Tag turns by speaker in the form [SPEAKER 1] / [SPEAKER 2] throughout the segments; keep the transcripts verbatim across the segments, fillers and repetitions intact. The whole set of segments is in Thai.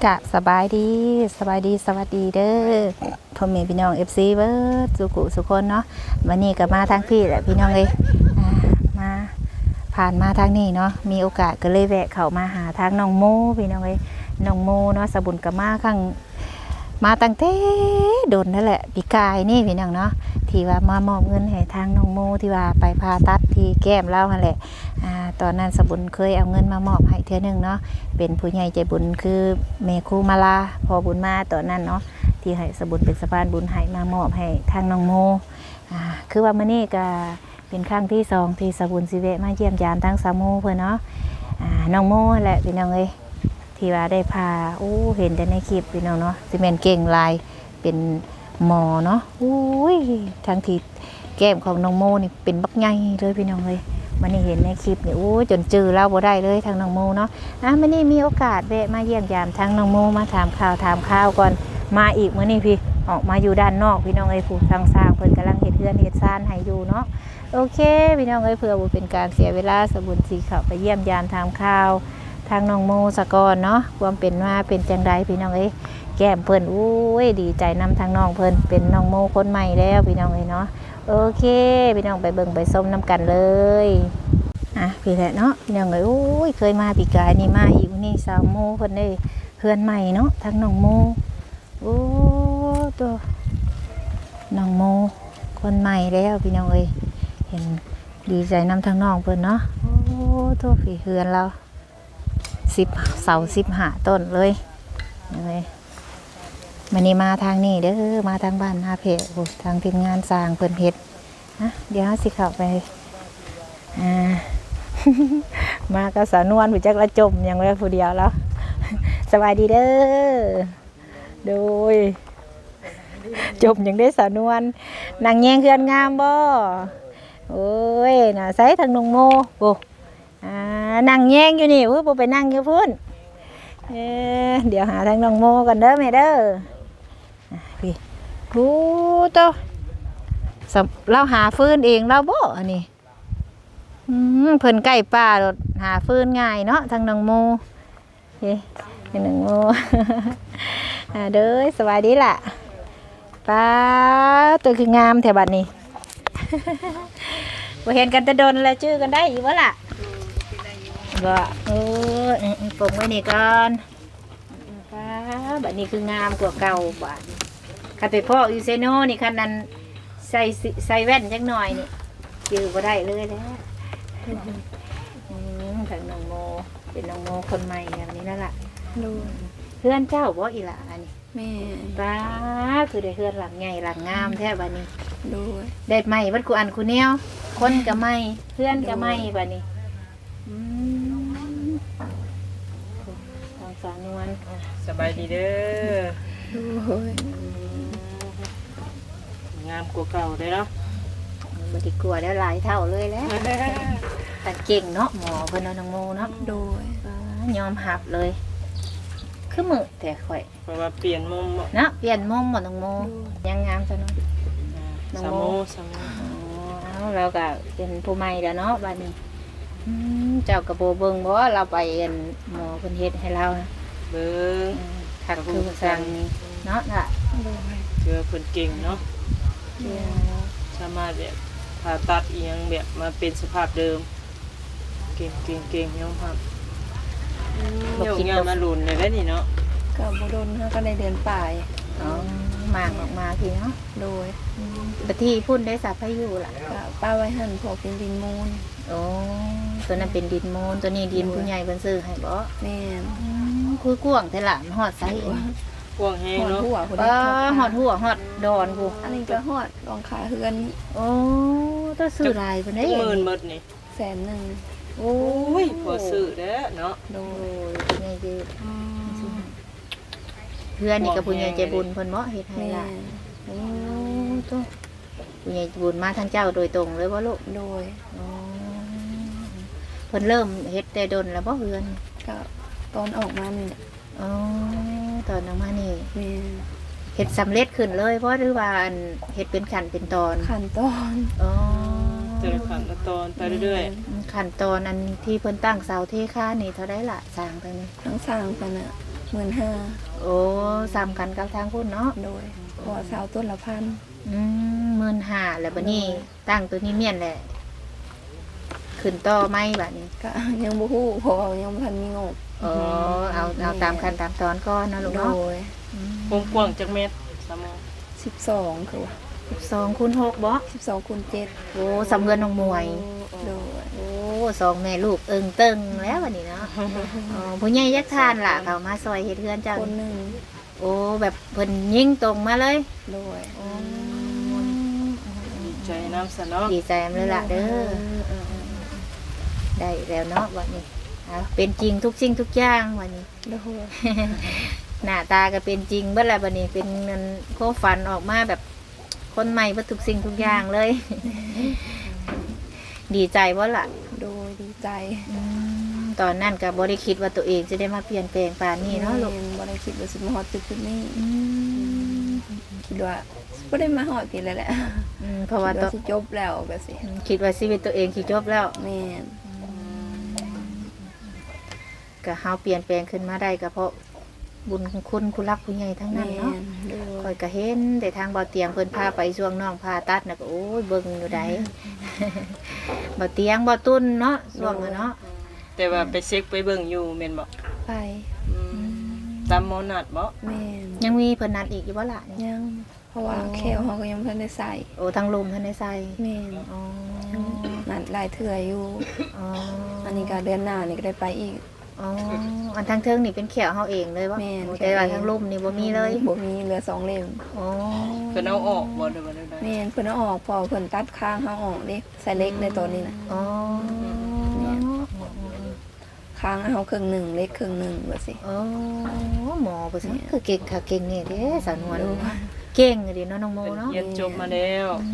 [SPEAKER 1] กะสบายดีสบายดีสวัสดีเด้อพ่อแม่พี่น้อง เอฟ ซี เบิร์ดสุขุสุคนเนาะวันนี้ก็มาทางพี่แหละพี่น้องเลยมาผ่านมาทางนี้เนาะมีโอกาสก็เลยแวะเข้ามาหาทางน้องโมพี่น้องเลยน้องโมเนาะสบุญกับมาข้างมาตั้งแต่โดนนั่นแหละปีกายนี่พี่น้องเนาะที่ว่ามามอบเงินให้ทางน้องโมที่ว่าไปผ่าตัดที่แก้มเล่าหั่นแหละอ่าตอนนั้นสบุญเคยเอาเงินมามอบให้เทื่อนึงเนาะเป็นผู้ใหญ่ใจบุญคือเมครูมาลาพอบุญมาตอนนั้นเนาะที่ให้สบุญเป็นสะพานบุญให้มามอบให้ทางน้องโมอ่าคือว่ามื้อนี้ก็เป็นครั้งที่สองที่สบุญสิเวะมาเยี่ยมยามทางสามูเพิ่นเนาะอ่าน้องโมแหละพี่น้องเอ้ยที่ว่าได้พาโอ้เห็นแต่ในคลิปพี่น้องเนาะสิแม่นเก่งลายเป็นหมอเนาะอุ้ยทั้งที่แก้มของน้องโมนี่เป็นบักใหญ่เลยพี่น้องเลยมันนี่เห็นในคลิปนี่โอ้จนจือเล่าบ่ได้เลยทางน้องโมเนาะอ่ะมันนี่มีโอกาสแวะมาเยี่ยมยามทางน้องโมมาถามข่าวถามข่าวก่อนมาอีกมื้อนี้พี่ออกมาอยู่ด้านนอกพี่น้องเอ้ยผู้ทางสร้างเพิ่นกำลังเฮ็ดเรือนเฮ็ดซ่านให้อยู่เนาะโอเคพี่น้องเอ้ยเพื่อบ่เป็นการเสียเวลาสบุญสิเข้าไปเยี่ยมยามถามข่าวทางน้องโมสะก่อนเนาะความเป็นมาเป็นจังไดพี่น้องเอ้ยแก้มเพิ่นอุ้ยดีใจนำทางน้องเพิ่นเป็นน้องโมคนใหม่แล้วพี่น้องเอ้ยเนาะโอเคพี่น้องไปเบิ่งไปส้มน้ำกันเลยอ่ะพี่แหละเนาะพี่น้องเอ้ยอุ้ยเคยมาปีกายนี่มาอีกนี่สาวโมเพิ่นได้เพื่อนใหม่เนาะทางน้องโมโอ้ตัวน้องโมคนใหม่แล้วพี่น้องเอ้ยเห็นดีใจนำทางน้องเพิ่นเนาะโอ้ตัวฝีเฮือนเราสิบเสาสิบหาต้นเลยเลยมันนี่มาทางนี้เด้อมาทางบ้านนาเพะทางทีมงานสร้างเพิ่นเฮ็ดนะเดี๋ยวสิเข้าไปอ่า มาก็สาวนวลผู้จักละจมยังไว้ผู้เดียวแล้ว สบายดีเด้อโดยจมยังได้สาวนวลนางแยงเฮือนงามบ่โอ้ยน่ะใส่ทางนงโมโอ้อ่านั่งแยงอยู่นี่เพิ่นบ่ไปนั่งอยู่พุ่นเอ๊ะเดี๋ยวหาทางน้องโมกันเด้อแม่เด้อพี่ฮู้โตเราหาฟืนเองเราบ่อันนี้อืมเพิ่นใกล้ป่ารถหาฟืนง่ายเนาะทางน้องโมเฮ้ทางน้องโม อ่าเด้อสวัสดีล่ะป้าตัวคืองามแถวบัดนี้ บ่เห็นกันแต่ดนแล้วชื่อกันได้อยู่บ่ล่ะบ่เออปงไว้นี่ก่อนป้าบัดนี้คืองามกว่าเก่าบัดคันไปพ่ออยู่เซโนนี่คันนั้นใส่ใส่แว่นจักหน่อยนี่ชื่อบ่ได้เลยแล้วอืมทางน้องโมเป็นน้องโมคนใหม่แบบนี้นั่นล่ะดูเพื่อนเจ้าบ่อีหล่ะอันนี้แม่ป้าคือได้เพื่อนหลังใหญ่หลังงามแท้บัดนี้ดูได้ใหม่บัดกูอันกูแนวคนก็ใหม่เพื่อนก็ใหม่บัดนี้อืมทางสาวนวล
[SPEAKER 2] สบายดีเด้อดูงามกว่าเก่าเลยเนาะ
[SPEAKER 1] บ่ได้กลัวแล้วหลายเท่าเลยแหละแต่เก่งเนาะหมอเพิ่นเนาะน้องโมเนาะโดยยอมหับเลยคือมือแต่ข่อย
[SPEAKER 2] เพราะว่าเปลี่ยนมุม
[SPEAKER 1] นะเปลี่ยนมุมหมดน้องโมยังงามซะเนาะ
[SPEAKER 2] น้องโมสามโม
[SPEAKER 1] อ๋อเราก็เป็นผู้ใหม่แล้วเนาะบัดนี้เจ้ากระโบเบิ่งบ่เราไปเอ็นหมอเพิ่นเฮ็ดให้เรานะ
[SPEAKER 2] เบิ่ง
[SPEAKER 1] คักคือสั่งเนาะน่ะ
[SPEAKER 2] เชื่อเพิ่นเก่งเนาะสามารถแบบผ่าตัดอีหยังแบบมาเป็นสภาพเดิมเก่งเก่งเก่งยอมรับบ่คิดว่ามาลุ้นได้แล้วนี่เนาะ
[SPEAKER 3] ก็บ่โดนเฮาก็ได้เดือนปลาย
[SPEAKER 1] อ๋อมากออกมาพี่เนาะ
[SPEAKER 3] โดย
[SPEAKER 1] บัดที่พุ่นได้สับพายุล่ะ
[SPEAKER 3] ก็ป้าไว้หั่นพวกเป็นดินมูล
[SPEAKER 1] โอ้ตัวนั้นเป็นดินมูลตัวนี้ดินผู้ใหญ่เพิ่นซื้อให้บ่
[SPEAKER 3] แม่น
[SPEAKER 1] คือกว้างแต่ละฮอดไส
[SPEAKER 2] กว้างแฮงเนาะ
[SPEAKER 1] บ่ฮอดหัวฮอดดอนผู้
[SPEAKER 3] อันนี้ก็ฮอดรองขาเฮือน
[SPEAKER 1] โอ้ต้องซื้อหลายเพิ่นได้
[SPEAKER 2] หมื่นหมดนี่
[SPEAKER 3] แสนนึง
[SPEAKER 1] โอ้
[SPEAKER 2] ยพอซื้อเด้อเนาะ
[SPEAKER 1] โดยใหญ่ดีเพื่อนนี่ก็ผู้ใหญ่ใจบุญเพิ่นบ่เฮ็ดให้ล่ะโอ้ตัวผู้ใหญ่บุญมาทางเจ้าโดยตรงเลยบ่ลูก
[SPEAKER 3] โดย
[SPEAKER 1] อ๋อเพิ่นเริ่มเฮ็ดแต่ดนแล้วบ่เฮือน
[SPEAKER 3] ก็ตอนออกมานี่แหละ
[SPEAKER 1] อ๋อตอนออกมานี่
[SPEAKER 3] แม่
[SPEAKER 1] เฮ็ดสำเร็จขึ้นเลยเพราะหรือว่าเฮ็ดเป็นขั้นเป็นตอน
[SPEAKER 3] ขั้นตอน
[SPEAKER 1] อ๋อ
[SPEAKER 2] แต่ละขั้นตอนไปเรื่อย
[SPEAKER 1] ๆขั้นตอนอันที่เพิ่นตั้งเสาเทคานนี่เท่าใดล่ะสร้างไปนี่
[SPEAKER 3] ทั้งสร้างไปน่ะหมื่นห้า
[SPEAKER 1] โอ้ซ้ำกันกับทางพุ่นเนาะ
[SPEAKER 3] โดยพอสาวต้นละพัน
[SPEAKER 1] อืมหมื่นห้าแล้วบัดนี้ตั้งตัวนี้เมียนแหละขึ้นต่อไหมบัดนี้
[SPEAKER 3] ก็ยังบ่ฮู้เพราะว่ายังบ่ทันมีงบ
[SPEAKER 1] อ๋อเอาเอาตามขั้นตามตอนก่อนเนาะลูก
[SPEAKER 3] โด
[SPEAKER 1] เนาะ
[SPEAKER 3] ย
[SPEAKER 2] กว้างกว้างๆจักเม็ดสามโมง
[SPEAKER 3] สิบสองคือว่า
[SPEAKER 1] สิบสองคูณหกบ่
[SPEAKER 3] สิบสองคูณเจ็ด
[SPEAKER 1] โอ้สำเงินน้องมวย
[SPEAKER 3] โดย
[SPEAKER 1] โอ้สองแม่ลูกเอิงเตึงแล้ววันนี้เนาะอ๋อผู้ใหญ่ยักทานล่ะเขามาซอยเฮ็ดเฮือนเจ้า
[SPEAKER 3] คนหนึ่ง
[SPEAKER 1] โอ้แบบเพิ่นยิงตรงมาเลย
[SPEAKER 3] โดย
[SPEAKER 2] ดีใจน้ำซะเนาะ
[SPEAKER 1] ดีใจมเลยล่ะเด้อได้แล้วเนาะวันนี้เอาเป็นจริงทุกสิ่งทุกอย่างวันนี้
[SPEAKER 3] โดย
[SPEAKER 1] หน้าตาก็เป็นจริงเบิดแล้ววันนี้เป็นเงินโคฝันออกมาแบบคนใหม่เบิดทุกสิ่งทุกอย่างเลย ดีใจบ่ล่ะ
[SPEAKER 3] โดยดีใจ
[SPEAKER 1] อืมตอนนั้นก็บ่ได้คิดว่าตัวเองจะได้มาเปลี่ยนแปลงป่านนี้เนาะลูก
[SPEAKER 3] แม่บ่ได้คิดว่าสิมาฮอดจุดจุดนี้
[SPEAKER 1] อืม
[SPEAKER 3] คิดว่าบ่ได้มาฮอดปีแล้วแหละ
[SPEAKER 1] อืมเพราะว่า
[SPEAKER 3] คิด
[SPEAKER 1] ตัว
[SPEAKER 3] ว่าสิจบแล้วแบบสิ
[SPEAKER 1] คิดว่าชีวิตตัวเองสิจบแล้ว
[SPEAKER 3] แม่น
[SPEAKER 1] ก็เฮาเปลี่ยนแปลงขึ้นมาได้ก็เพราะบุญของคุณคุณรักผู้ใหญ่ทั้งนั้น
[SPEAKER 3] แม่
[SPEAKER 1] เนาะ
[SPEAKER 3] นโด
[SPEAKER 1] คอย ยก็เห็นแต่ทางบ่อเตียงเพิ่นพาไปช่วงน้องพาตัดน่ะก็โอ้ยเบิ่งอยู่ใด บ่อเตียงบ่อตุ้นเนาะช่วงนั้นเนาะ
[SPEAKER 2] แต่ว่าไปเช็คไปเบิ่งอยู่แม่นบ่
[SPEAKER 3] ไป
[SPEAKER 2] อืมตามหมอนัดบ่
[SPEAKER 3] แม่น
[SPEAKER 1] ยังมีเพิ่นนัดอีกอยู่บ่ล่ะนี่
[SPEAKER 3] ยังเพราะว่า
[SPEAKER 1] อ๋อ
[SPEAKER 3] แขวเฮาก็ยังบ่ทันได้ใส่
[SPEAKER 1] โอ้ทางลมเพิ่นได้ใส่
[SPEAKER 3] แม่น
[SPEAKER 1] อ๋อ
[SPEAKER 3] นัดหลายเทื่ออยู่
[SPEAKER 1] อ๋อ
[SPEAKER 3] อันนี้ก็เดือนหน้านี่ก็ได้ไปอีก
[SPEAKER 1] อ๋ออันทางเทิงนี่เป็นแขวเฮาเองเลยบ่
[SPEAKER 3] แม่น
[SPEAKER 1] โอ้แต่ว่าทางลมนี่บ่มีเลย
[SPEAKER 3] บ่มีเหลือสองเล่ม
[SPEAKER 1] อ๋อ
[SPEAKER 2] เพิ่นเอาออกบ่ได้บ่ได้
[SPEAKER 3] แม่นเพิ่นเอาออกพอเพิ่นตัดข้างเฮาออกเด้ใส่เล็กในตอนนี้นะ
[SPEAKER 1] อ๋อ
[SPEAKER 3] ข้างเฮาครึ่งหนึงเล็กครึ่งหนึงว่าสิ
[SPEAKER 1] อ๋อหมอเพิ่นคือเก่งค่ะเก่งนี่เด้สาวนวลเก่งเด้เนาะน้องโม
[SPEAKER 2] เพิ่น
[SPEAKER 1] เนาะ
[SPEAKER 2] เรียนจบมาแล้ว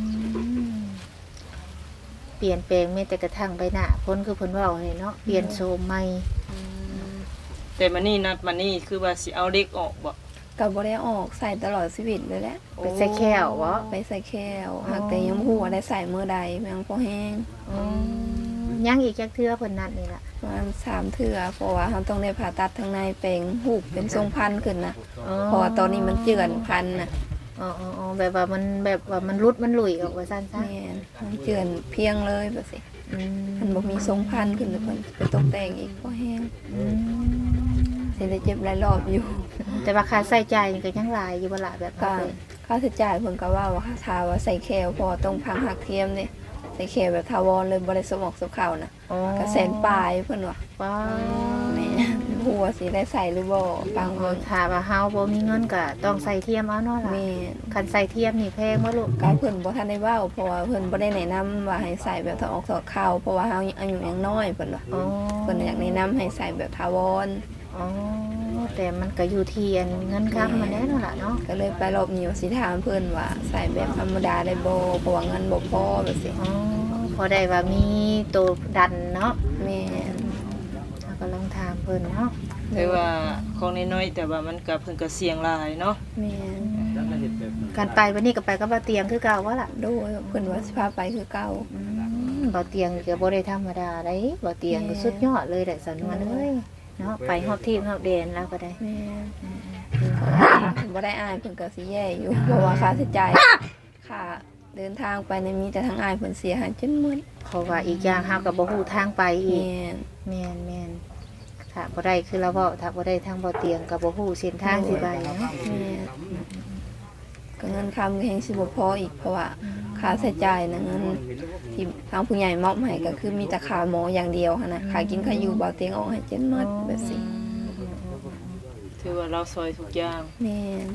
[SPEAKER 1] เปลี่ยนแปลงแม้แต่กระทั่งใบหน้าพ้นคือเพิ่นเว้าให้เนาะเปลี่ยนโฉมใหม่
[SPEAKER 2] แต่มานี่นัดมานี่คือว่าสิเอาเด็กออกบ่
[SPEAKER 3] ก็บ่ได้ออกใส่ตลอดชีวิตเลยแหละ
[SPEAKER 1] ไปใส่แควบ่
[SPEAKER 3] ไปใส่แควหากแต่ยังบ่ฮู้ว่าได้ใส่มื้อใดแม่งพอแห้ง
[SPEAKER 1] อ๋อยังอีกจักเทื่อเพิ่นนัดนี่ล่ะ
[SPEAKER 3] ประมาณสามเทื่อเพราะว่าเฮาต้องได้ผ่าตัดทางในแปลงหูบเป็นทรงพันขึ้นนะเพราะว่าตอนนี้มันเจือนพันน่ะ
[SPEAKER 1] อ๋ออ๋ออ๋อแบบว่ามันแบบว่ามันรุดมันหลุยออกว่าซั่นซะ
[SPEAKER 3] แม่นมันเจือนเพียงเลยแบบสิ
[SPEAKER 1] อืม
[SPEAKER 3] มันบ่มีทรงพันขึ้นเลยเพิ่นไปตกแต่งอีกพอแห้ง
[SPEAKER 1] อืม
[SPEAKER 3] สิได้เจ็บหลายรอบอยู่
[SPEAKER 1] แต่ว่าค่าใช้จ่ายนี่ก็ยังหลายอยู่บ่ล่ะแบบ
[SPEAKER 3] ก็
[SPEAKER 1] นั้นเลย
[SPEAKER 3] ค่าใช้จ่ายเพิ่นก็ว่าว่าถ้าว่าใส่แคลพอต้องพังหักเทียมนี่ใส่แคลแบบทาวรเลยบ่ได้สมอกสมเข่านะ
[SPEAKER 1] อ๋อ
[SPEAKER 3] ก็แสนปลายเพิ่นว่า
[SPEAKER 1] ว้า
[SPEAKER 3] แม่หัวสิได้ใส่หรือบ่ฟัง
[SPEAKER 1] ว
[SPEAKER 3] เบิ่ง
[SPEAKER 1] ถ้าว่าเฮาบ่มีเงินก็ต้องใส่เทียมเอาเนาะล่ะ
[SPEAKER 3] แม่
[SPEAKER 1] คันใส่เทียมนี่แพงบ่ลูก
[SPEAKER 3] ก็เพิ่นบ่ทันได้เว้าเพราะว่าเพิ่นบ่ได้แนะนำว่าให้ใส่แบบถอดออกถอดเข้าเพราะว่าเฮาอายุยังน้อยเพิ่นว่า
[SPEAKER 1] อ๋อ
[SPEAKER 3] เพิ่นอยากแนะนำให้ใส่แบบทาวร
[SPEAKER 1] อ๋อแต่มันก็อยู่ที่อันเงินค้ำมันแน่นอนล่ะเนาะ
[SPEAKER 3] ก็เลยไปรอบนี้ว่าสิถามเพิ่นว่าใส่แบบธรรมดาได้บ่เพราะว่าเงินบ่พอแบบสิ
[SPEAKER 1] อ๋อพอได้ว่ามีตัวดันเนาะ
[SPEAKER 3] แม่น
[SPEAKER 1] เราก็ลองถามเพิ่นเนาะ
[SPEAKER 2] แต่ว่าของน้อยๆแต่ว่ามันก็เพิ่นก็เสี่ยงหลายเนาะ
[SPEAKER 3] แม่น
[SPEAKER 1] การไปวันนี้ก็ไปกับบ่เตียงคือเก่าว่าล่ะ
[SPEAKER 3] โดยเพิ่นว่าสิพาไปคือเก่า
[SPEAKER 1] อืมบ่เตียงก็บ่ได้ธรรมดาได้บ่เตียงก็สุดยอดเลยแหละสันวนเอ้ยเนาะไปฮอบที่ฮอบแดนแล้วก็ได้
[SPEAKER 3] แม่นบ่ได้อายเพิ่นก็สิแย่อยู่เพราะว่าค่าใช้จ่ายค่าเดินทางไปในยมีแต่ทางอายเพิ่นเสียหายจนหมด
[SPEAKER 1] เพราะว่าอีกอย่างเฮาก็บ่ฮู้ทางไปอีก
[SPEAKER 3] แม่น
[SPEAKER 1] แม่นแม่นถ้าบ่ได้คือเราเว้าถ้าบ่ได้ทางบ่เตียงก็บ่ฮู้เส้นทางสิไปเนาะ
[SPEAKER 3] แม่นก็เงินคำก็แฮงสิบ่พออีกเพราะว่าค่าใช้จ่ายนะเงินที่ทางผู้ใหญ่มอบให้ก็คือมีแต่ค่าหมออย่างเดียวหันนะค่ากินค่าอยู่บ่เตียงออกให้จนหมดแบบสิ
[SPEAKER 2] ถือว่าเราซอยทุกอย่าง
[SPEAKER 3] แม่น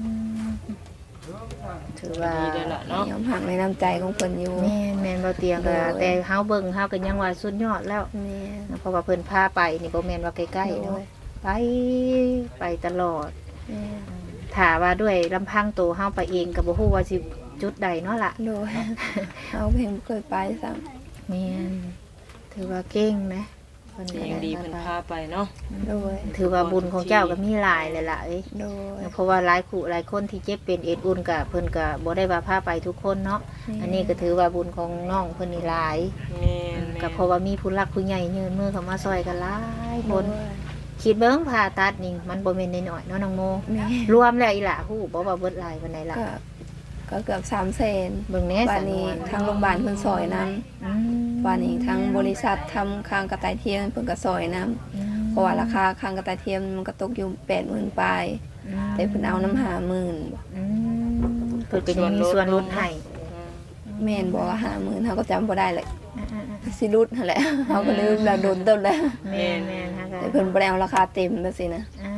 [SPEAKER 1] ถือว่า
[SPEAKER 2] ดีได้ละเนาะ
[SPEAKER 3] ยอมหักในน้ำใจของเพิ่นอยู่
[SPEAKER 1] แม่นแม่นบ่เตียงก็
[SPEAKER 3] โดย
[SPEAKER 1] แต่เฮาเบิ่งเฮาก็ยังว่าสุดยอดแล้ว
[SPEAKER 3] แม่น
[SPEAKER 1] เพราะว่าเพิ่นพาไปนี่บ่แม่นว่าใกล้ๆ
[SPEAKER 3] โด
[SPEAKER 1] เนาะ
[SPEAKER 3] ย
[SPEAKER 1] ไปไปตลอด
[SPEAKER 3] แม่น
[SPEAKER 1] ถ้าว่าด้วยลำพังตัวเฮาไปเองก็บ่ฮู้ว่าสิจุดใดเนาะล่ะ
[SPEAKER 3] โดย เอาเพลงบ่เคยไปซ้ำ
[SPEAKER 1] แม่นถือว่าเก่งนะเพิ่นก็
[SPEAKER 2] ยังดีเพิ่นพาไปเนาะ
[SPEAKER 3] โดย
[SPEAKER 1] ถือว่าบุญของเจ้าก็มีหลายเลยล่ะเอ้ย
[SPEAKER 3] โดย
[SPEAKER 1] เพราะว่าหลายคู่หลายคนที่เจ็บเป็นเอ็ดอุ่นก็เพิ่นก็บ่ได้ว่าพาไปทุกคนเนาะอันนี้ก็ถือว่าบุญของน้องเพิ่นนี่หลาย
[SPEAKER 2] แม่น
[SPEAKER 1] ก็เพราะว่ามีผู้รักผู้ใหญ่ยืนมือเข้ามาซอยกันหลายคน
[SPEAKER 3] โดย
[SPEAKER 1] คิดเบิ่งผ่าตัดนี่มันบ่แม่นน้อยๆเนาะน้องโม
[SPEAKER 3] แม่
[SPEAKER 1] รวมแล้วอีหล่ะฮู้บ่ว่าเบิดหลายปานใดล่ะ
[SPEAKER 3] ก็ก็เกือบสามแสน
[SPEAKER 1] เบิ่งแหน่
[SPEAKER 3] บ้า
[SPEAKER 1] สั
[SPEAKER 3] น
[SPEAKER 1] น
[SPEAKER 3] นี้
[SPEAKER 1] วน
[SPEAKER 3] ทางโรงพยาบาลเพิ่นซอยนํ
[SPEAKER 1] อืม
[SPEAKER 3] บ้านนี้ทางบริษัททำคางกระต่ายเทียมเพิ่นก็ซอยนํ
[SPEAKER 1] อืม
[SPEAKER 3] เพราะว่าราคาคางกระต่ายเทียมมันก็ตกอยู่ แปดหมื่น ปลาย
[SPEAKER 1] อืม
[SPEAKER 3] แต่เพิ่นเอาน้ำหาหมื่น
[SPEAKER 1] อืมเพิ่นก็ยังมีส่วนลดให้
[SPEAKER 2] อืม
[SPEAKER 3] แม่นบอกว่าห้าหมื่นเฮาก็จำบ่ได้เลย
[SPEAKER 1] อ่าๆ
[SPEAKER 3] สิรุดนั่นแหละเฮาก็ลืมแล้วโดนต้นแล้ว
[SPEAKER 1] ๆแม่นๆฮะ
[SPEAKER 3] แต่เพิ่นบ่ได้เอาราคาเต็มแบบสินะ
[SPEAKER 1] อ่า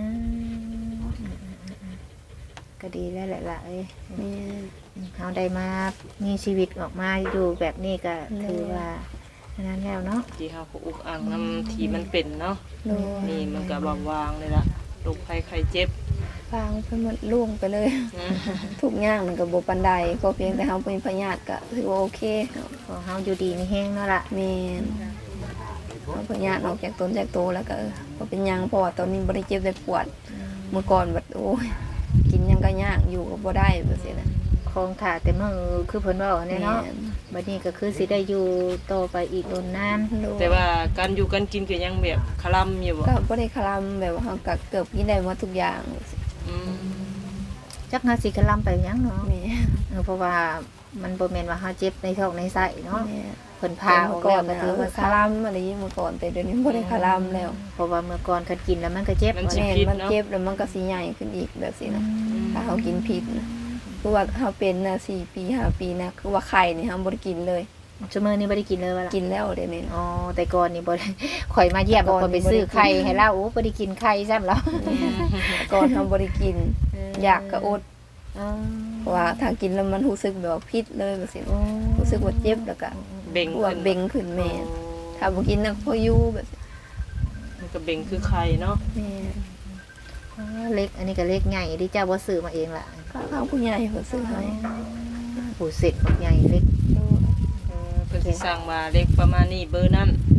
[SPEAKER 1] ก็ดีแล้วแหละล่ะเอ้ย
[SPEAKER 3] แม่น
[SPEAKER 1] เฮาได้มามีชีวิตออกมาอยู่แบบนี้ก็ถือว่าอันนั้นแล้วเนาะ
[SPEAKER 2] ที่เฮาก็อุกอ่างน้ำที่มันเป็นเนาะ
[SPEAKER 3] โดย
[SPEAKER 2] นี่มันก็บาวางเลยล่ะโรคภัยไข้เจ็บ
[SPEAKER 3] ฟางเพิ่นมันล่วงไปเลย
[SPEAKER 2] อืม
[SPEAKER 3] ทุกอย่างมันก็บ่ปานใดก็เพียงแต่เฮาเป็นพยาธิก็ถือว่าโอเค
[SPEAKER 1] พอเฮาอยู่ดีมีแห้งเนาะล่ะ
[SPEAKER 3] แม่นเอาพยาธิออกจากต้นจากโตแล้วก็เออบ่เป็นหยังเพราะว่าตอนนี้บ่ได้เจ็บได้ปวด เมื่อก่อนแบบโอ้ยกินหยังก็ยากอยู่ก็บ่ได้แบบนี้นะ
[SPEAKER 1] คงถ่าแต่มือคือเพิ่นเว้าเนี่ยเนาะ
[SPEAKER 3] แม่
[SPEAKER 1] บัดนี้ก็คือสิได้อยู่ต่อไปอีกโดนนาน
[SPEAKER 3] โดย
[SPEAKER 2] แต่ว่าการอยู่กันกินก็ยังแบบคลำอยู่บ่
[SPEAKER 3] ก็บ่ได้คลำแบบว่าเฮาก็เกือบกินได้หมดทุกอย่าง
[SPEAKER 2] อืม
[SPEAKER 1] จักหาสิกะลำไปหยังเนาะ
[SPEAKER 3] แม่
[SPEAKER 1] เออเพราะว่ามันบ่แม่นว่าเฮาเจ็บในท้องในไส้เนาะ
[SPEAKER 3] แม่
[SPEAKER 1] เพิ่นพาออก
[SPEAKER 3] ก่
[SPEAKER 1] แล้
[SPEAKER 3] อ
[SPEAKER 1] วน ก็ถือว่า
[SPEAKER 3] คลำอะไรเมื่อก่อนแต่เดี๋ยวนี้บ่ได้คลำแล้ว
[SPEAKER 1] เพราะว่าเมื่อก่อนคันกินแล้วมันก็เจ็บ
[SPEAKER 3] แม่มันเจ็บแล้วมันก็สิใหญ่ขึ้นอีกแบบนี้นะถ้าเฮากินผิดนะคือว่าเฮาเป็นน่ะสี่ปีห้าปีนะคือว่าไข่นี่เฮาบ่ได้กินเลย
[SPEAKER 1] ชั่วโมงนี้บ่ได้กินเลยว่าล่ะ
[SPEAKER 3] กินแล้วเดี๋ยวนี้
[SPEAKER 1] อ๋อแต่ก่อนนี่บ่ได้ ข่อยมาเยี่ยม
[SPEAKER 3] แต่ก่อน
[SPEAKER 1] คนไป
[SPEAKER 3] นี่บ่ได้
[SPEAKER 1] ซื้อไข่
[SPEAKER 3] กิน
[SPEAKER 1] ให้เราโอ้บ่ได้กินไข่ซ้ำแล้ว
[SPEAKER 3] แต่ก่อนเฮาบ่ได้กิน อยากก็อด
[SPEAKER 1] อ๋อ
[SPEAKER 3] เพราะว่าถ้ากินแล้วมันรู้สึกแบบว่าพิษเลยแบบนี้
[SPEAKER 1] โอ้
[SPEAKER 3] รู้สึกว่าเจ็บแล้วก็
[SPEAKER 2] เบ่ง
[SPEAKER 3] ปวด
[SPEAKER 2] ขึ้น
[SPEAKER 3] เบ่งขึ้นแม่
[SPEAKER 2] โอ้
[SPEAKER 3] ถ้าบ่กินน่ะพออยู่แบบนี้
[SPEAKER 2] มันก็เบ่งคือไข่เนาะ
[SPEAKER 3] แม่
[SPEAKER 1] อ๋อเล็กอันนี้ก็เล็กใหญ่ที่เจ้าบ่ซื้อมาเองล่ะ
[SPEAKER 3] ก็ทางผู้ใหญ่เพิ่นซื้อให้
[SPEAKER 1] ผู้เสร็จบักใหญ่เล็ก
[SPEAKER 2] เออเพิ่นสิสร้างมาเล็กประมาณนี้เบอร์นั้น
[SPEAKER 3] แม่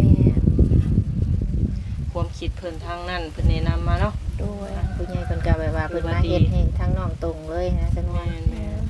[SPEAKER 2] ความคิดเพิ่นทางนั้นเพิ่นแนะนำมาเนาะ
[SPEAKER 3] ด้วย
[SPEAKER 1] ผู้ใหญ่เพิ่นก็แบบว่าเพิ่นมาเฮ็ดให้ทั้งน้องตรงเลยนะจังว่า
[SPEAKER 2] แม่นแม่น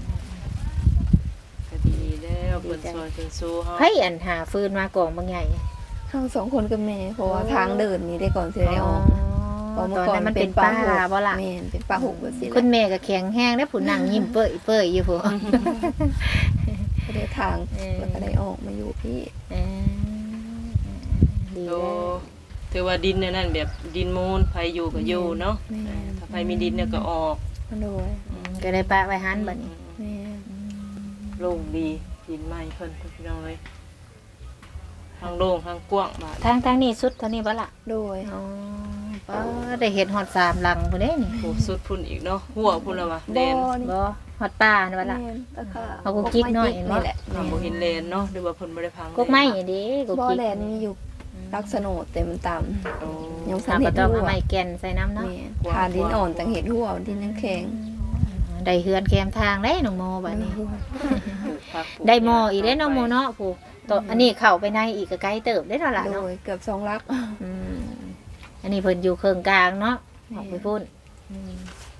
[SPEAKER 2] ก็ดีแล้วเพิ่นซอยเพิ่นสู้เฮา
[SPEAKER 1] ไผอันหาฟืนมากองบางใหญ่
[SPEAKER 3] เฮาสองคนกับแม่เพราะว่าทางเดินนี่ได้ก่อนสิได้ออก เพราะ
[SPEAKER 1] ต
[SPEAKER 3] เมื่
[SPEAKER 1] อน
[SPEAKER 3] อก่อน
[SPEAKER 1] นั้นมันเป็นป่าบ่ล่ะ
[SPEAKER 3] แม่นเป็นป่าหุบแบบนี้แห
[SPEAKER 1] คุ
[SPEAKER 3] ละ
[SPEAKER 1] ณแม่ก็แข็งแห้งแล้วผู้นั่งยิ้มเปื่อยเปื่อยอยู่ผู้
[SPEAKER 3] ก็ได้ทาง
[SPEAKER 1] เออ
[SPEAKER 3] แล้วก็ได้ออกมาอยู่พี่
[SPEAKER 1] เออดี
[SPEAKER 2] โต
[SPEAKER 1] แล้ว
[SPEAKER 2] ถือว่าดินเนี่ยนั่นแบบดินมูลไผอยู่ก็อยู่เนาะ
[SPEAKER 3] แม่
[SPEAKER 2] ถ้าไผมีดินเนี่ยก็ออก
[SPEAKER 3] มาด้วย
[SPEAKER 1] ก็ได้ปะไว้หันบัดนี้
[SPEAKER 3] แม่
[SPEAKER 2] โล่งดีดินใหม่เพิ่นพี่น้องเลยทางโล่งทางกว้างบาด
[SPEAKER 1] ทางทางนี้สุดเท่านี้บ่ล่ะ
[SPEAKER 3] ด้วย
[SPEAKER 1] อ๋อป้าได้เห็ดฮอดสามหลังพุ่นเด้นี่
[SPEAKER 2] โหสุดพุ่นอีกเนาะหัวพุ่นแล้ววะแดน
[SPEAKER 3] นี่
[SPEAKER 1] บ่ฮอดป่านี่บ่ล่ะ
[SPEAKER 3] แม่นแล้วก็
[SPEAKER 1] เอากุ๊กกิ๊กหน่อยเห็นบ่
[SPEAKER 3] นี่แหละ
[SPEAKER 2] ทางบ่เห็นแลนเนาะหรือว่าเพิ่นบ่ได้พัง
[SPEAKER 1] กกไม้นี่เด้กก
[SPEAKER 3] บ่อ
[SPEAKER 1] กิ๊ก
[SPEAKER 3] แลนมีอยู่ลักษณะแต่มันต่
[SPEAKER 2] โอ้
[SPEAKER 3] ำยัง
[SPEAKER 1] สา
[SPEAKER 3] สัน
[SPEAKER 1] ม
[SPEAKER 3] เห็
[SPEAKER 1] ก็
[SPEAKER 3] ด
[SPEAKER 1] ต้อง
[SPEAKER 3] หั
[SPEAKER 1] เอา
[SPEAKER 3] ว
[SPEAKER 1] ไม้แก่นใส่น้ำเนาะ
[SPEAKER 3] แม่ทาดินอ่อนต่างเห็ดหัวดินยังแข็ง
[SPEAKER 1] ได้เฮือนแคมทางได้น้องโมบัดนี้
[SPEAKER 2] ปลูกผักปลูก
[SPEAKER 1] ได้หมออีกได้น้องโมเนาะผู้ตัวอันนี้เข้าไปในอีกก็ไกลเติบได้แล้วล่ะ
[SPEAKER 3] โด
[SPEAKER 1] เนาะ
[SPEAKER 3] ยเกือบสองลัก
[SPEAKER 1] อืมอันนี้เพิ่นอยู่เครื่องกลางเนาะออกไปพุ่นอืม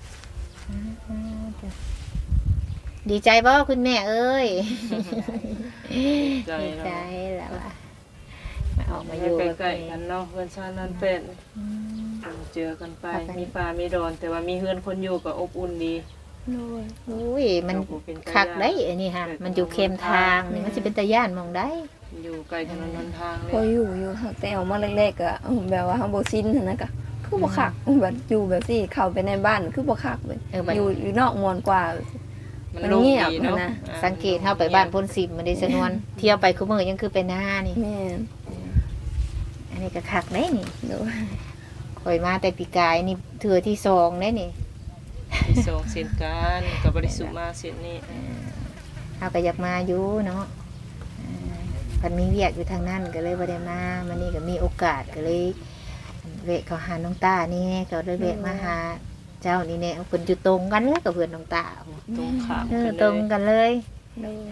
[SPEAKER 1] ดีใจบ่คุณแม่เอ้ย
[SPEAKER 2] ใจ
[SPEAKER 1] ดี
[SPEAKER 2] เนาะ
[SPEAKER 1] ใจแล้วล่ะมาออกมาอยู่กับ
[SPEAKER 2] ใกล้ๆ
[SPEAKER 1] แม่
[SPEAKER 2] กันเนาะเพื่อนชาตินั่นเป็นเจอกันไปมีป่ามีดอน แต่ว่ามีเฮือนคนอยู่ก็อบอุ่นดี
[SPEAKER 3] โดย
[SPEAKER 1] อุ้ยมันคักได้อันนี้ฮะมันอยู่เข้มทางนี่มันจะเป็นตะย่านหมองได้
[SPEAKER 2] อยู่ไกลถนนหนทางเล
[SPEAKER 3] พอย อยู่อยู่หักแต่เอามาแรกๆก็แบบว่าเฮาบ่ชินหั่นนะก็คือบ่คักแบบอยู่แบบสิเข้าไปในบ้านคือบ่คักเลย
[SPEAKER 1] เออบัด
[SPEAKER 3] อยู่อยู่นอกมวนกว่า
[SPEAKER 2] มัน
[SPEAKER 3] มัน
[SPEAKER 2] โล่ง
[SPEAKER 3] เงียบ
[SPEAKER 2] ดีเนาะ
[SPEAKER 3] นะ
[SPEAKER 2] อ่า
[SPEAKER 1] สังเกตเฮาไปบ้านพ่นสิบมันได้สนวน เที่ยวไปคุมื้อยังคือไปหน้านี่
[SPEAKER 3] แม่น
[SPEAKER 1] อันนี้ก็คักได้นี่
[SPEAKER 3] โดย
[SPEAKER 1] ข่อยมาแต่ปีกายนี่เทื่อที่สองได้นี่
[SPEAKER 2] มีส่งเส้นกันกับบริสุทธิ์มาเส้นนี้
[SPEAKER 1] เฮาก็อยากมาอยู่เนาะอ่าเพันมีเวียกอยู่ทางนั้นก็เลยบ่ได้มามันนี่ก็มีโอกาสก็เลยแวะเข้าหาน้องตานี่ก็เลยแวะมาหาเจ้านี่แน่เพิ่นอยู่ตรงกันเลยกับเพื่อนน้องตา
[SPEAKER 2] ตรงขาม
[SPEAKER 1] เออ
[SPEAKER 2] กัน
[SPEAKER 1] ต
[SPEAKER 2] เล
[SPEAKER 1] รง
[SPEAKER 2] ย
[SPEAKER 1] กันเลย
[SPEAKER 3] โดย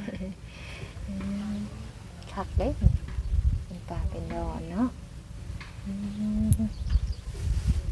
[SPEAKER 1] คักเด้เป็นป่าเป็นดอนเนาะอืม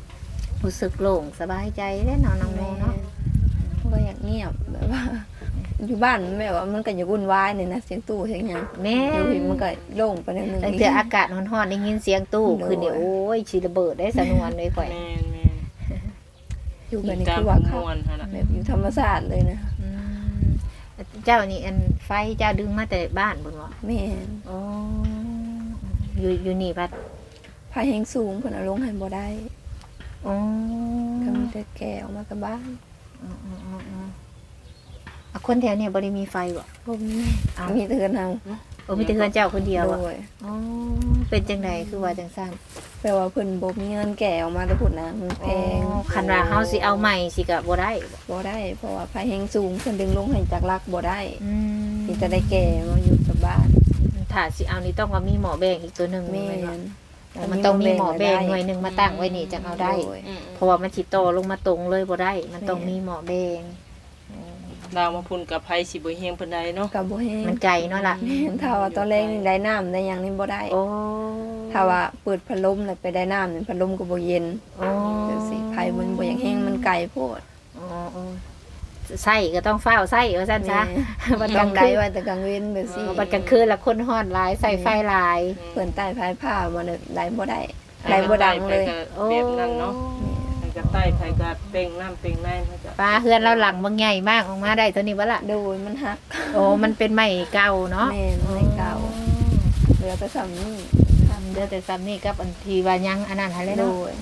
[SPEAKER 1] รู้สึกโล่งสบายใจได้เนาะน้องโมเนาะ
[SPEAKER 3] ก็อยากเงียบแบบว่าอยู่บ้านแบบว่ามันก็อย่าวุ่นวายนี่นะเสียงตู้เสียงหยัง
[SPEAKER 1] แม่
[SPEAKER 3] อยู่พี่มันก็โล่งไปนิดนึง
[SPEAKER 1] ตั้งแต่อากาศร้อนๆได้ยินเสียงตู้คือเดี๋ยวโอ้ยสิระเบิดได้สนวนเลยข่อย
[SPEAKER 2] แม่นแม่น
[SPEAKER 3] อยู่แบบนี้
[SPEAKER 2] ตาม
[SPEAKER 3] คือว่า
[SPEAKER 2] ม
[SPEAKER 3] เขา
[SPEAKER 2] วลหั่นน่ะ
[SPEAKER 3] แบบอยู่ธรรมชาติเลยนะ
[SPEAKER 1] อืมเจ้านี่อันไฟเจ้าดึงมาแต่บ้านบ่เนาะ
[SPEAKER 3] แม่น
[SPEAKER 1] อ๋ออยู่อยู่นี่พัด
[SPEAKER 3] พาแหงสูงเพิ่นเอาลงให้บ่ได้
[SPEAKER 1] อ๋อ
[SPEAKER 3] ก็มีแต่แก่ออกมากับบ้าน
[SPEAKER 1] อ๋ออ๋ออ๋ออ๋ออ่ะคนแถวเนี่ยบ่ได้มีไฟบ่
[SPEAKER 3] บ่มี
[SPEAKER 1] อ้าว
[SPEAKER 3] มีแต่เฮือนเฮา
[SPEAKER 1] โอ้มีแต่เฮือนเจ้าคนเดียว
[SPEAKER 3] โด
[SPEAKER 1] อ่ะ
[SPEAKER 3] ย
[SPEAKER 1] อ๋อเป็นจังไดคือว่าจังซั่น
[SPEAKER 3] แปลว่าเพิ่นบ่มีเงินแก่ออกมาแต่พุ่นนะมันแพง
[SPEAKER 1] อ๋อคันว่าเฮาสิเอาใหม่สิก็บ่ได้บ่
[SPEAKER 3] บ่ได้ เพราะว่าพาแหงสูงเพิ่นดึงลงให้จากรักบ่ได้
[SPEAKER 1] อืม
[SPEAKER 3] มีแต่ได้แก่มาอยู่กับบ้าน
[SPEAKER 1] ถ้าสิเอานี่ต้องว่ามีหมอแบงอีกตัวหนึง
[SPEAKER 3] แม่
[SPEAKER 1] แม่นบ่
[SPEAKER 3] น
[SPEAKER 1] อ๋อมันต้องมีหมอแบงหน่วยหนึงมาตั้งไว้นี่จังเอาได้
[SPEAKER 3] โย
[SPEAKER 2] อืม
[SPEAKER 1] เพราะว่ามันสิโตลงมาตรงเลยบ่ได้ มันต้องมีหมอแบง
[SPEAKER 2] ดาวมาพุ่นกับไผสิบ่เฮงปานใดเนาะ
[SPEAKER 3] กับบ่แห้ง
[SPEAKER 1] มันไกลเนาะล่ะ
[SPEAKER 3] แม่นถ้าว่าตอนแรกนี่ได้น้ำได้หยังนี่บ่ได้
[SPEAKER 1] โอ้
[SPEAKER 3] ถ้าว่าเปิดพัดลมแล้วไปได้น้ำนี่พัดลมก็บ่เย็น
[SPEAKER 1] โอ้
[SPEAKER 3] จังซี่ไผมันบ่อยากแห้งมันไกลโพด
[SPEAKER 1] อ๋ออ๋อไส้ก็ต้องเฝ้าไส้ว่าซั่นซะ
[SPEAKER 3] แม่ต้องได้ไว้แต่กลางเว้นแบบซี่
[SPEAKER 1] บัดกลางคืนละคนฮอดหลายใส่ไฟหลาย
[SPEAKER 3] เพิ่นใต้พายผ้ามันน่ะได้บ่ได้ได้บ่ดังเลย
[SPEAKER 2] แบบนั้นเนาะมันก็ใต้ไผก็เต็งน้ำเต็งในมันก็
[SPEAKER 1] ปลาเฮือนเราหลังบางใหญ่มากออกมาได้เท่านี้บ่ล่ะ
[SPEAKER 3] โดยมันหัก
[SPEAKER 1] โอ้มันเป็นไม้เก่าเนาะ
[SPEAKER 3] แม่นไม้เก่า เหลือแต่สำนี้
[SPEAKER 1] เดือแต่ซ้ำนี่กับอันทีว่ายังอันนั้นหั่นเลย
[SPEAKER 3] โด
[SPEAKER 1] เนาะ
[SPEAKER 3] ย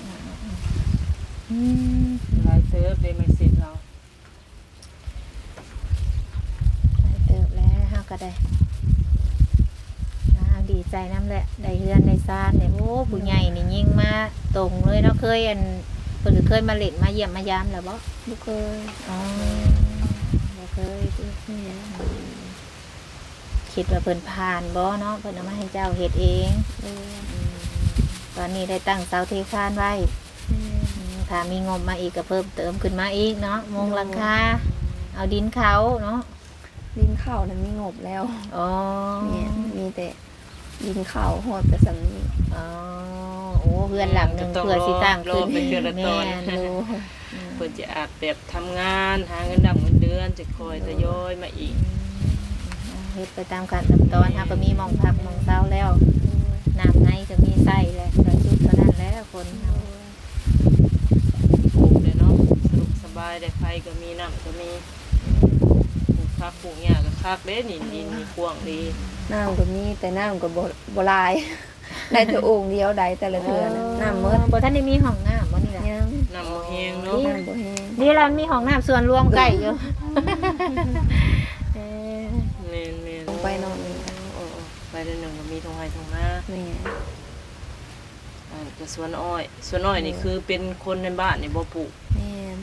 [SPEAKER 1] อืม
[SPEAKER 2] หลายเติบได้ไม่เสร็จเรา
[SPEAKER 1] ไปเติบแล้วเฮาก็ได้อ่าดีใจน้ำแหละได้เฮือนได้ซ่านเนี่ยโอ้ผู้ใหญ่นี่ยิ่งมาตรงเลยเนาะเคยอันเพิ่นก็เคยมาเล่นมาเยี่ยมมายามแล้วบ่
[SPEAKER 3] บ่เคย
[SPEAKER 1] อ๋อบ่เคยติ
[SPEAKER 3] แม่น
[SPEAKER 1] คิดว่าเพิ่นผ่านบ่เนาะเพิ่นเอามาให้เจ้าเฮ็ดเอง
[SPEAKER 3] โดย
[SPEAKER 1] อืมตอนนี้ได้ตั้งเสาเทคานไว้
[SPEAKER 3] แม่น
[SPEAKER 1] อืมถ้ามีงบมาอีกก็เพิ่มเติมขึ้นมาอีกเนาะมุงหลังคาเอาดินเขาเนาะ
[SPEAKER 3] ดินข้าวนั้นมีงบแล้ว
[SPEAKER 1] อ๋อ
[SPEAKER 3] แม่นมีแต่ดินข้าวฮอดแต่สำนี้
[SPEAKER 1] อ๋อโอ้เพื่อนหลังหนึงเพื่อสิตั้งขึ้น
[SPEAKER 2] เป็นเดือนละตอน
[SPEAKER 1] แม่น
[SPEAKER 3] โดย
[SPEAKER 2] เพิ่นจะอาจแบบทำงานหาเงินดำเงินเดือนจะคอยทยอยมาอีก
[SPEAKER 1] เฮ็ดไปตามขั้นตามตอนเฮาก็มีหมองพักหมองเซาแล้วน้ำในก็มีใส่แล้วก็ชุดเท่านั้นแหล้วคนเฮา
[SPEAKER 2] ปลูกเลยเนาะสนุกสบายได้ไฟก็มีน้ำก็มีปลูกผักปลูกหญ้าก็คักเด้นี่ดินนี่กว้างดี
[SPEAKER 3] น้ำก็มีแต่น้ำก็บ่บ่หลาย ได้แต่โอ่งเดียวได้แต่ละเทื่อนะน้ำหมด
[SPEAKER 1] บ่ทันได้มีห้องน้ำบ่นี่ล่ะ
[SPEAKER 3] ยัง
[SPEAKER 2] น้ำบ่แห้งเนาะ
[SPEAKER 3] น้ำบ่แห้ง
[SPEAKER 1] นี่เรามีห้องน้ำส่วนรวมใกล้อยู่ เออ
[SPEAKER 2] แม่นแม่น
[SPEAKER 3] ลงไปนอนนี่
[SPEAKER 2] โอ้ๆไปเดือนหนึ่งก็มีทงไห้ทงหน้า
[SPEAKER 3] แม่
[SPEAKER 2] อ่าก็สวนอ้อยสวนอ้อยนี่คือเป็นคนในบ้านนี่บ่ปลูก
[SPEAKER 3] แม่น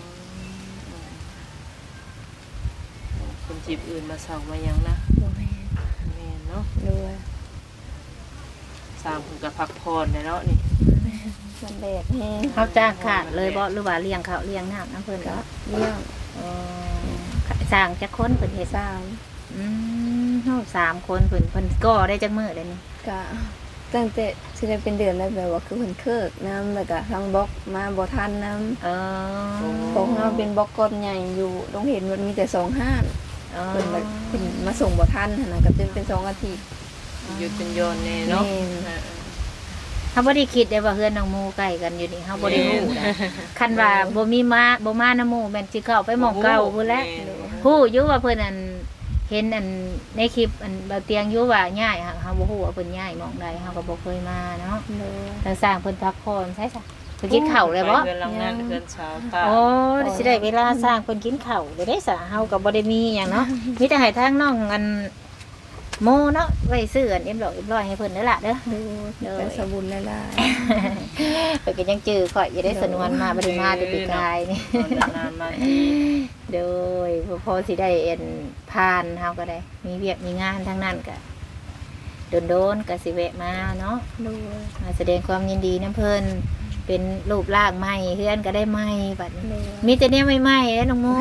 [SPEAKER 2] คนจีบอื่นมาเสามาหยังนะ
[SPEAKER 3] บ่แม่น
[SPEAKER 2] แม่นเนาะ
[SPEAKER 3] ด้วย
[SPEAKER 2] สร้างเพิ่นก็พักผ่อนได้เนาะนี่
[SPEAKER 3] มันแดดแห้ง
[SPEAKER 1] เขาจ้างขาดเลยบ่หรือว่าเลี้ยงเขาเลี้ยงน้ำน้ำเพิ่น
[SPEAKER 3] ก็
[SPEAKER 1] ก็
[SPEAKER 3] เลี้ยง
[SPEAKER 1] อ๋อสร้างจักคนเพิ่นเฮ็ด
[SPEAKER 3] สาม
[SPEAKER 1] อืมเฮาสามคนเพิ่นเพิ่นก่อได้จักมื้อเลยนี่
[SPEAKER 3] ก็ตั้งแต่สิได้เป็นเดือนแล้วแบบว่าคือเพิ่นเคิกน้ำแล้วก็ทางบล็อกมาบ่ทันน้ำ
[SPEAKER 1] เออ
[SPEAKER 3] ของเราเป็นบล็อกก้อนใหญ่อยู่ต้องเห็นมันมีแต่สองห้าน
[SPEAKER 1] เออ
[SPEAKER 3] เพิ่นแบบเพิ่นมาส่งบ่ทันหั่นน่ะก็เป็นเป็นสองอาทิตย์
[SPEAKER 2] หยุดเป็นโยนแน่เนาะ
[SPEAKER 3] แม่น
[SPEAKER 2] อ่า
[SPEAKER 1] เฮาบ่ได้คิดได้ว่าเฮือนน้องหมู่ใกล้กันอยู่นี่เฮาบ่ได้รู้นะคันว่าบ่มีมาบ่มาน้ำหมู่แม่นสิเข้าไปหม้องเก่าพุ่นแหละ
[SPEAKER 2] ม่น
[SPEAKER 1] ฮู้อยู่ว่าเพิ่นอันเห็นอันในคลิปอันเบาเตียงอยู่ว่าย้ายค่ะเฮาบ่ฮู้ว่าเพิ่นย้ายหม้องใดเฮาก็บ่เคยมาเนาะ
[SPEAKER 3] เลย
[SPEAKER 1] ทางสร้างเพิ่นพักผ่อนใช่จ้ะเพิ่นกินข้าวเลยบ่
[SPEAKER 2] ไปเดือนหลังนั้นเดือนเช้าตา
[SPEAKER 1] โอ้สิได้เวลาสร้างเพิ่นกินข้าวได้ได้ซะเฮาก็บ่ได้มีหยังเนาะมีแต่ให้ทางน้องอันโมเนาะไว้ซื้ออันเอ็มดอกเอ็มร้อยให้เพิ่นเด้อล่ะเด้อ
[SPEAKER 3] ดูเป็นสบุญหลาย
[SPEAKER 1] เพิ่นก็ยังจื้อข่อยอย่าได้สนวนมาบ่ได้มาแต่ปีกายนี่
[SPEAKER 2] ตอนนานๆมาที
[SPEAKER 1] โดยพอสิได้เอ็นผ่านเฮาก็ได้ มีเวียกมีงานทั้งนั้นก็โดนๆก็สิแวะมาเนาะ
[SPEAKER 3] ๆดู
[SPEAKER 1] มาแสดงความยินดีน้ำเพิ่นเป็นรูปร่างใหม่เฮือนก็ได้ใหม่บัดนี้
[SPEAKER 3] ดู
[SPEAKER 1] มีแต่แนวใหม่ๆแล้วน้องโม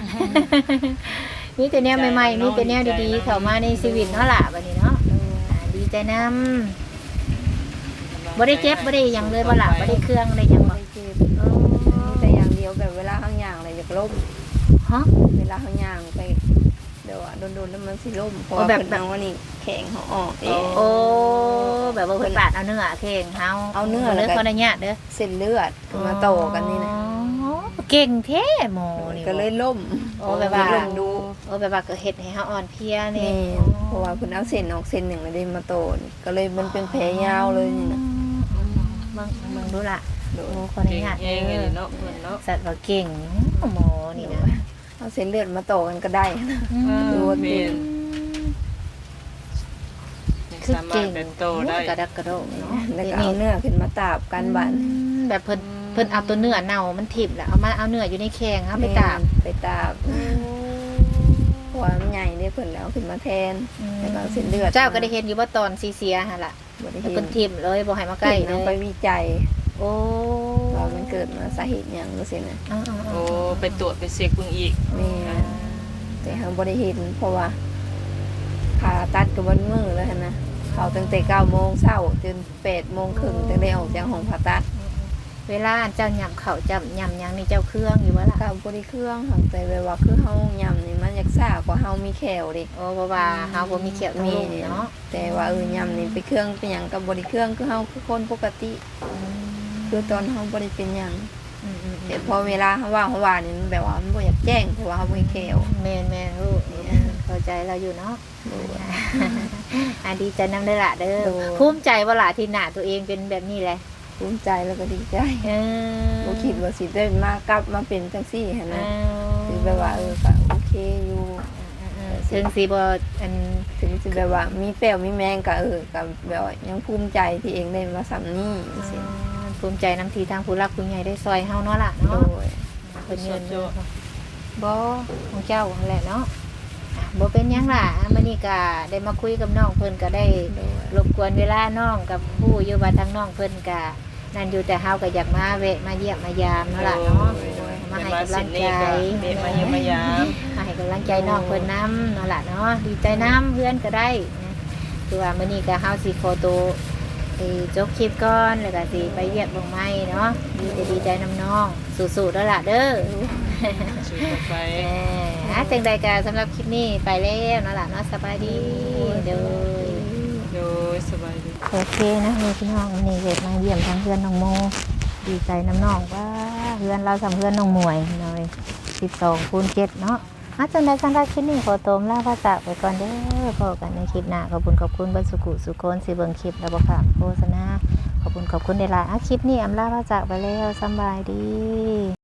[SPEAKER 1] มีแต่แนวใหม่ๆมีแต่แนวดีๆเข้ามาในชีวิตเนาะล่ะบัดนี้เนาะอ่าดีใจนำบ่ได้เจ็บบ่ได้หยังเลยบ่ล่ะบ่ได้เครื่องได้หยังบ่
[SPEAKER 3] ไม่เจ็บมีแต่อย่างเดียวแบบเวลาข้างอย่างอะไรอยากล้ม
[SPEAKER 1] ฮฮะ
[SPEAKER 3] เวลาเขาย่างไปเดี๋ยวอะโดนๆแล้วมันสิล่มเพราะ
[SPEAKER 1] โอ้
[SPEAKER 3] ว่า
[SPEAKER 1] แบบ
[SPEAKER 3] เพิ่นเอาอันนี้แข็งเขาออกเอง
[SPEAKER 1] โอ้แบบว่าเพิ่นปาดเอาเนื้อเข่งเฮา
[SPEAKER 3] เอาเนื้อ
[SPEAKER 1] เล
[SPEAKER 3] แล้ว
[SPEAKER 1] ย
[SPEAKER 3] ก็
[SPEAKER 1] ขออนุญาตเด้อ
[SPEAKER 3] เส้นเลือดมาต่อกันนี่นะ
[SPEAKER 1] อ๋อเก่งแท้หมอนี่
[SPEAKER 3] ก็เลยล่ม
[SPEAKER 1] โอ้แบบว่า
[SPEAKER 3] ล่มดู
[SPEAKER 1] โอ้แบบว่าก็เฮ็ดให้เฮาอ่อนเพลียนี่
[SPEAKER 3] นี่เพราะว่าเพิ่นเอาเส้นออกเส้นหนึ่งแล้วได้มาโตนก็เลยมันเป็นแผลยาวเลยนี่นะ
[SPEAKER 1] เบิ่งเบิ่งดูล่ะ
[SPEAKER 3] โด
[SPEAKER 1] โอ้
[SPEAKER 3] ย
[SPEAKER 1] ขออนุ
[SPEAKER 2] เก่ง
[SPEAKER 1] ญาต
[SPEAKER 2] เอ
[SPEAKER 1] เด้
[SPEAKER 2] งเลย
[SPEAKER 1] อ
[SPEAKER 2] เนาะเพิ่นเนาะ
[SPEAKER 1] สัตว์ว่าเก่งหมอนี่นะ
[SPEAKER 3] เอาเส้นเลือดมาโตกันก็ได้นะ
[SPEAKER 2] เออ
[SPEAKER 3] ดูว่า
[SPEAKER 2] แม่
[SPEAKER 3] เก่ง
[SPEAKER 2] น
[SPEAKER 1] คือ
[SPEAKER 2] สามาร
[SPEAKER 1] เก่
[SPEAKER 2] ถ
[SPEAKER 1] ง
[SPEAKER 2] เป็นโตได้
[SPEAKER 1] กระดักกระโดดเนาะ
[SPEAKER 3] แล้วก็เอาเนื้อขึ้นมาตาบกันบัน
[SPEAKER 1] อืมแบบเพิ่นเพิ่นเอาตัวเนื้อเน่ามันทิ่มแล้วเอามาเอาเนื้ออยู่ในแข้งเอาไปตาก
[SPEAKER 3] ไปตาบเพราะว่ามันใหญ่ได้เพิ่นแล้วขึ้นมาแทนแล้วก็เอาเส้นเลือด
[SPEAKER 1] เจ้าก็ได้เห็นอยู่ว่าตอนซีเสียหั่นล่ะ
[SPEAKER 3] บ่ได้
[SPEAKER 1] แล้ว
[SPEAKER 3] เห็
[SPEAKER 1] เพิ่
[SPEAKER 3] น
[SPEAKER 1] นทิ่มเลยบ่ให้มาใกล้เล
[SPEAKER 3] เอา
[SPEAKER 1] ย
[SPEAKER 3] ไปวิจัย
[SPEAKER 1] โอ้
[SPEAKER 3] ว่ามันเกิดมาสาเหตุหยังจังซี่นะ
[SPEAKER 1] อ่าๆๆ
[SPEAKER 2] โอ้ไปตรวจไปเช็คเบิ่งอีก
[SPEAKER 3] แม่แต่เฮาบ่ได้เห็นเพราะว่าผ่าตัดก็บ่มื้อแล้วหั่นนะเขาตั้งแต่เก้าโมงเช้าจนแปดโมงครึ่งถึงได้ออกจากห้องผ่าตัด
[SPEAKER 1] เวลาเจ้าย่ำข้าวจ้ำย่ำหยังนี่เจ้าเครื่องอยู่บ่ล่ะ
[SPEAKER 3] กับบริเครื่องค่ะแต่แบบว่าคือเฮายำนี่มันอยากซ่ากว่าเฮามีแขวดิ
[SPEAKER 1] โอ้เพราะว่าเฮาบ่มีเขียวทั้ง
[SPEAKER 3] มี
[SPEAKER 1] ลูกเนาะ
[SPEAKER 3] แต่ว่าเออยำนี่ไปเครื่องเป็นหยังกับบริเครื่องคือเฮาคือคนปกติ คือตอนเฮาบ่ได้เป็นหยัง
[SPEAKER 1] อืมๆๆ
[SPEAKER 3] แต่พอเวลาเฮาว่างเฮาว่านี่มันแบบว่ามันบ่อยากแจ้งเพราะว่าเฮาบ่มีแขว
[SPEAKER 1] แม่นแม่นลูกเข้าใจเราอยู่เนาะอ่ะดีใจนำได้อละเด้อภูมิใจว่าล่ะที่หน้าตัวเองเป็นแบบนี้แหละ
[SPEAKER 3] ภูมิใจแล้วก็ดีใจ
[SPEAKER 1] เออ
[SPEAKER 3] บ่คิดว่าสิได้มากลับมาเป็นจังซี่หั่น
[SPEAKER 1] เอ
[SPEAKER 3] นะ
[SPEAKER 1] อ
[SPEAKER 3] คือแบบว่าเออก็โอเคอยู่
[SPEAKER 1] เออถึงสิบ่อัน
[SPEAKER 3] ถึงสิแบบว่ามีแป้วมีแมงก็เออก็แบบว่ายังภูมิใจที่เองได้มาสำนี้จังซี่
[SPEAKER 1] ภูมิใจนำทีทางผู้รักผู้ใหญ่ได้ซอยเฮาเนาะล่ะ
[SPEAKER 3] โด
[SPEAKER 1] เนาะ
[SPEAKER 3] ย
[SPEAKER 1] เพิ่นเงินเนาะบ่ของเจ้านั่นแหละเนาะอ่ะบ่เป็นหยังล่ะมื้อนี้ก็ได้มาคุยกับน้องเพิ่นก็ได้
[SPEAKER 3] โดย
[SPEAKER 1] รบกวนเวลาน้องกับผู้อยู่ว่าทางน้องเพิ่นก็นั่นอยู่แต่เฮาก็อยากมาแวะมาเยี่ยมมายามเนาะล่ะเนาะมาให้กำลังใจ
[SPEAKER 2] เด็กมาเยี่ยมมายาม
[SPEAKER 1] มาให้กำลังใจน้องเพิ่นนำเนาะล่ะเนาะดีใจนำเพื่อนก็ได้นะคือว่ามื้อนี้ก็เฮาสิขอตัวไปจบคลิปก่อนแล้วก็สิไปเวียกบ่งไม้เนาะดีใจดีใจนำน้องสู้ๆเด้อล่ะเด้อ
[SPEAKER 2] ช่วยกันไป
[SPEAKER 1] แหมอ่ะจังใดก็สำหรับคลิปนี้ไปแล้วเนาะล่ะเนาะสบายดีเด้อ
[SPEAKER 2] โดยสบายดี
[SPEAKER 1] โอเคนะนี่พี่น้องนี่เวทมาเยี่ยมทางเพื่อนน้องโมดีใจน้ำน้องว่าเพื่อนเราสำเพื่อนน้องมวยหน่อยสิบสองคูณเจ็ดเนาะอาจารย์ได้สำหรับคลิปนี้ขอโตมลาภาษาไปก่อนเด้อพบกันในคลิปหน้าขอบคุณขอบคุณบรรสุกุสุโคนสิเบิงคลิปแล้วบอกค่ะโฆษณาขอบคุณขอบคุณในไลน์อ่ะคลิปนี้อำลาภาษาไปแล้วสำบายดี